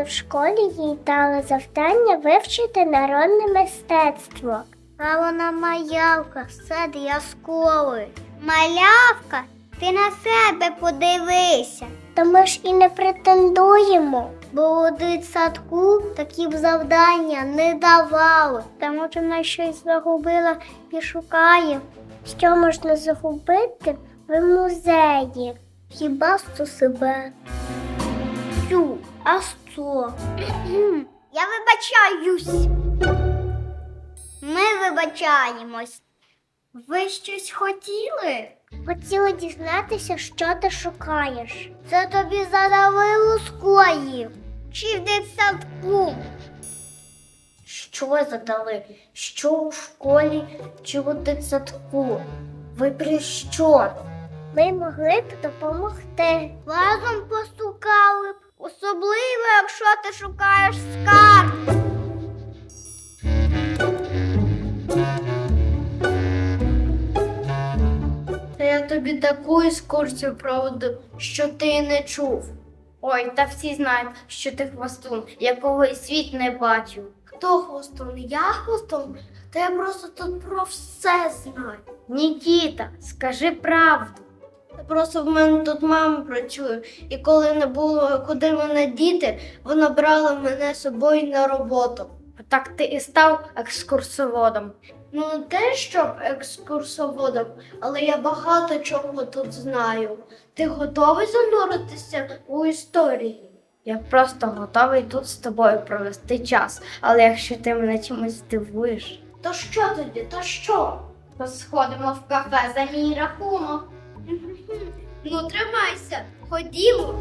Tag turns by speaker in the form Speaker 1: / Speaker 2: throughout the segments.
Speaker 1: в школі їй дали завдання вивчити народне мистецтво. А вона малявка, все для школи. Малявка? Ти на себе подивися. Та ми ж і не претендуємо. Бо у дитсадку такі б завдання не давали. Та може вона щось загубила і шукає. Що можна загубити в музеї? Хіба що себе? Тю, а що? Я вибачаюсь. Ми вибачаємось. Ви щось хотіли? Хотіла дізнатися, що ти шукаєш. Це тобі задали у школі. Чи в дитсадку? Що задали? Що у школі чи у дитсадку? Ви при що? Ми могли б допомогти. Разом пошукали б. Особливо, якщо ти шукаєш скарб.
Speaker 2: Та я тобі таку екскурсію проведу, що ти й не чув. Ой, та всі знають, що ти хвостун, якого і світ не бачив. Хто хвостун? Я хвостун? Та я просто тут про все знаю. Нікіта, скажи правду. Та просто в мене тут мама працює, і коли не було куди мене діти, вона брала мене з собою на роботу. Так ти і став екскурсоводом. Ну, не те, щоб екскурсоводом, але я багато чого тут знаю. Ти готовий зануритися у історії? Я просто готовий тут з тобою провести час, але якщо ти мене чимось здивуєш. То що тоді, то що? То сходимо в кафе за мій рахунок. Ну, тримайся, ходімо.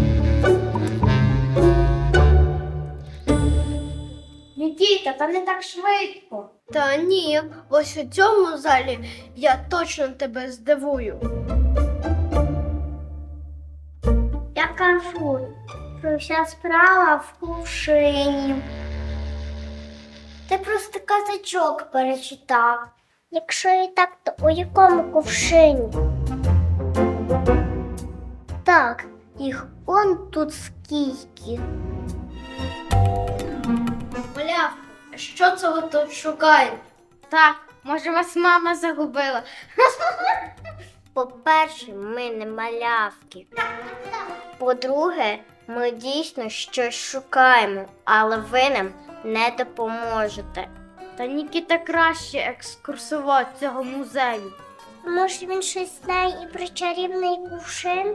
Speaker 2: Нікіта, та не так швидко. Та ні, ось у цьому залі я точно тебе здивую.
Speaker 1: Я кажу, що вся справа в кувшині. Ти просто казачок перечитав. Якщо і так, то у якому кувшині? Так, їх он тут скільки.
Speaker 2: Малявка, що це ви тут шукаєте? Так, може вас мама загубила.
Speaker 1: По-перше, ми не малявки. По-друге, ми дійсно щось шукаємо, але ви нам не допоможете.
Speaker 2: Та Нікіта краще екскурсовод цього музею.
Speaker 1: Може, він щось знає і про чарівний кувшин?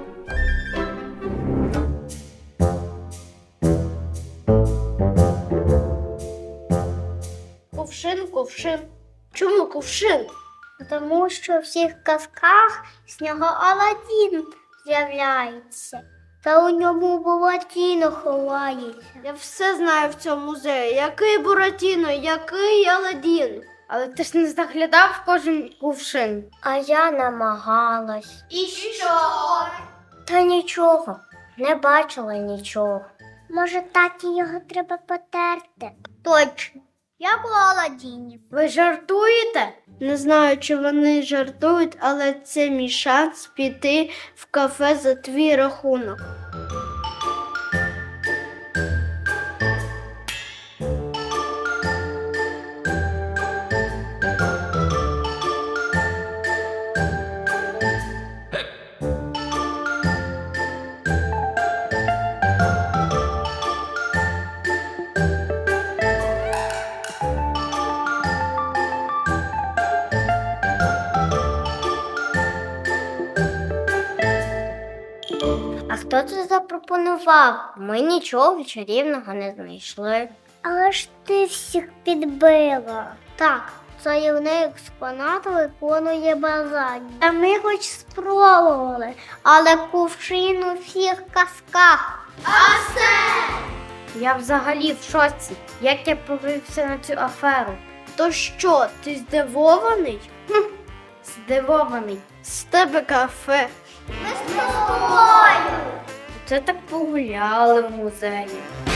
Speaker 2: Кувшин. Чому кувшин?
Speaker 1: Тому що в всіх казках з нього Аладдін з'являється. Та у ньому Буратіно ховається.
Speaker 2: Я все знаю в цьому музеї. Який Буратіно, який Аладдін. Але ти ж не заглядав в кожен кувшин.
Speaker 1: А я намагалась.
Speaker 2: І що?
Speaker 1: Та нічого, не бачила нічого. Може, таті його треба потерти? Точно, як у Аладдіні.
Speaker 2: Ви жартуєте? Не знаю, чи вони жартують, але це мій шанс піти в кафе за твій рахунок.
Speaker 1: А хто це запропонував? Ми нічого чарівного не знайшли. Але ж ти всіх підбила. Так, чарівний експонат виконує бажання. Та ми хоч спробували, але кувшин у всіх казках.
Speaker 2: Я взагалі в шоці. Як я повівся на цю аферу? То що, ти здивований? Здивований. З тебе кафе.
Speaker 1: Ми з тобою.
Speaker 2: Це так погуляли в музеї.